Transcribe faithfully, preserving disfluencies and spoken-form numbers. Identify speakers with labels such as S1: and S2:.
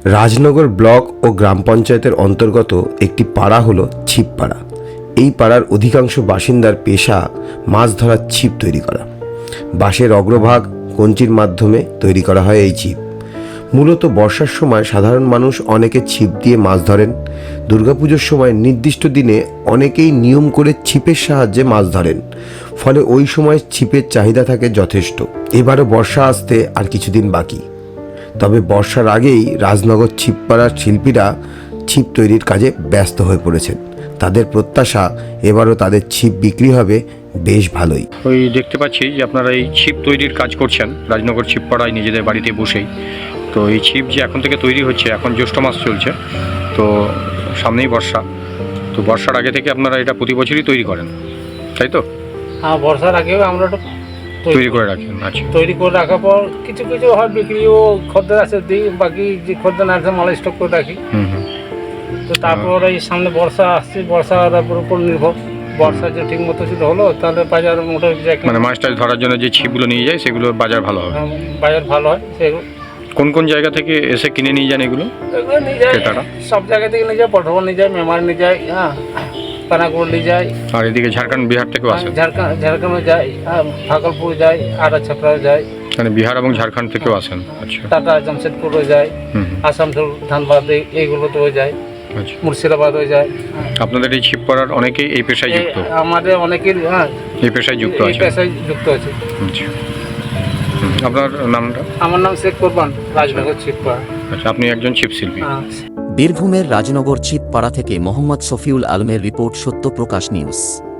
S1: Rajnagar block ও গ্রাম পঞ্চায়েতের অন্তর্গত একটি পাড়া হলো ছিপপাড়া। এই পাড়ার অধিকাংশ বাসিন্দার পেশা মাছ ধরার ছিপ তৈরি করা। বাঁশের অগ্রভাগ কঞ্চির মাধ্যমে তৈরি করা হয় এই ছিপ। মূলত বর্ষার সময় সাধারণ মানুষ অনেকে ছিপ দিয়ে মাছ ধরেন। দুর্গাপুজোর সময় নির্দিষ্ট দিনে অনেকেই নিয়ম করে ছিপের সাহায্যে মাছ ধরেন, ফলে ওই সময় ছিপের চাহিদা থাকে যথেষ্ট। এবারও বর্ষা আসতে আর কিছুদিন বাকি, তবে বর্ষার আগেই রাজনগর ছিপপাড়ার শিল্পীরা ছিপ তৈরির কাজে ব্যস্ত হয়ে পড়েছেন। তাদের প্রত্যাশা এবারও তাদের ছিপ বিক্রি হবে বেশ ভালোই।
S2: ওই দেখতে পাচ্ছি যে আপনারা এই ছিপ তৈরির কাজ করছেন রাজনগর ছিপপাড়ায় নিজেদের বাড়িতে বসেই। তো এই ছিপ যে এখন থেকে তৈরি হচ্ছে, এখন জ্যৈষ্ঠ মাস চলছে, তো সামনেই বর্ষা। তো বর্ষার আগে থেকে আপনারা এটা প্রতি বছরই তৈরি করেন, তাই তো?
S3: হ্যাঁ, বর্ষার আগেও আমরা তো
S2: তৈরি করে রাখেন। আচ্ছা,
S3: তৈরি করে রাখার পর কিছু কিছু হয় বিক্রিও, খদ্দের আছে দিই, বাকি যে খদ্দের না আছে মাল স্টক করে রাখি।
S2: হুম হুম
S3: তো তারপর এই সামনে বর্ষা আসছে, বর্ষার উপর নির্ভর। বর্ষা যে ঠিক মতো যদি হলো তাহলে বাজার মোটামুটি যায়,
S2: মানে মাছ টাছ ধরার জন্য যে ছিপগুলো নিয়ে যায় সেগুলো বাজার ভালো হবে।
S3: বাজার ভালো হয়। সেগুলো
S2: কোন কোন জায়গা থেকে এসে কিনে নিয়ে যান এগুলো?
S3: এগুলো নিয়ে যায়
S2: ক্রেতারা?
S3: সব জায়গা থেকে নিয়ে যায়, পটভা নিয়ে যায়, মেমার নিয়ে যায়, হ্যাঁ, পানাগড় নিয়ে যায়।
S2: আর এদিকে ঝাড়খণ্ড বিহার থেকেও আসে?
S3: ঝাড়খণ্ড ঝাড়খণ্ডে যায়, হ্যাঁ, ভাগলপুর যায়, আড়া ছাপড়া যায়,
S2: মানে বিহার এবং ঝাড়খণ্ড থেকেও আসেন। আচ্ছা,
S3: টাটা জামশেদপুরও যায়,
S2: হুম হুম
S3: আসানসোল ধানবাদ এইগুলোতেও যায়,
S2: আচ্ছা।
S3: মুর্শিদাবাদও যায়।
S2: আপনাদের এই ছিপ পড়ার অনেকেই এই পেশায় যুক্ত?
S3: আমাদের অনেকের, হ্যাঁ,
S2: এই পেশায় যুক্ত
S3: এই
S2: আছে?
S3: পেশায় যুক্ত আছে।
S2: আচ্ছা, আপনার নামটা?
S3: আমার নাম শেখ কোরবান, রাজনগর ছিপপাড়া।
S2: আচ্ছা, আপনি একজন ছিপ শিল্পী।
S3: হ্যাঁ।
S4: বীরভূমের রাজনগর ছিপপাড়া থেকে মোহাম্মদ শফিউল আলমের রিপোর্ট, সত্যপ্রকাশ নিউজ।